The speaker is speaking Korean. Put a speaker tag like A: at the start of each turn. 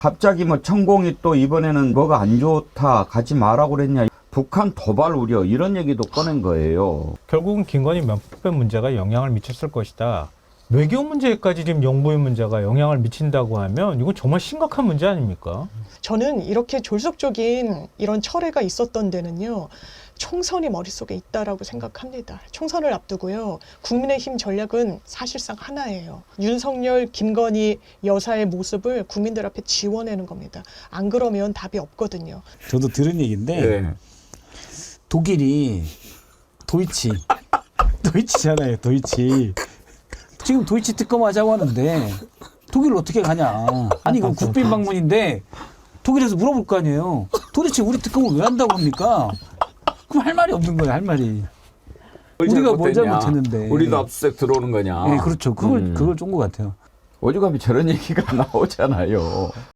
A: 갑자기 뭐 천공이 또 이번에는 뭐가 안 좋다, 가지 마라고 그랬냐, 북한 도발 우려 이런 얘기도 꺼낸 거예요.
B: 결국은 김건희 명패 문제가 영향을 미쳤을 것이다. 외교 문제까지 지금 영부인 문제가 영향을 미친다고 하면 이건 정말 심각한 문제 아닙니까?
C: 저는 이렇게 졸속적인 이런 철회가 있었던 데는요, 총선이 머릿속에 있다라고 생각합니다. 총선을 앞두고요, 국민의힘 전략은 사실상 하나예요. 윤석열, 김건희 여사의 모습을 국민들 앞에 지워내는 겁니다. 안 그러면 답이 없거든요.
D: 저도 들은 얘기인데
A: 네.
D: 독일이 도이치잖아요. 도이치. 지금 도이치 특검하자고 하는데 독일을 어떻게 가냐. 아니 이건 국빈 방문인데 독일에서 물어볼 거 아니에요. 도대체 우리 특검을 왜 한다고 합니까? 그럼 할 말이 없는 거예요. 할 말이. 우리가 뭘 잘못했는데.
A: 우리도 압수수색 들어오는 거냐.
D: 네, 그렇죠. 그걸 쫀 것 같아요.
A: 오죽하면 저런 얘기가 나오잖아요.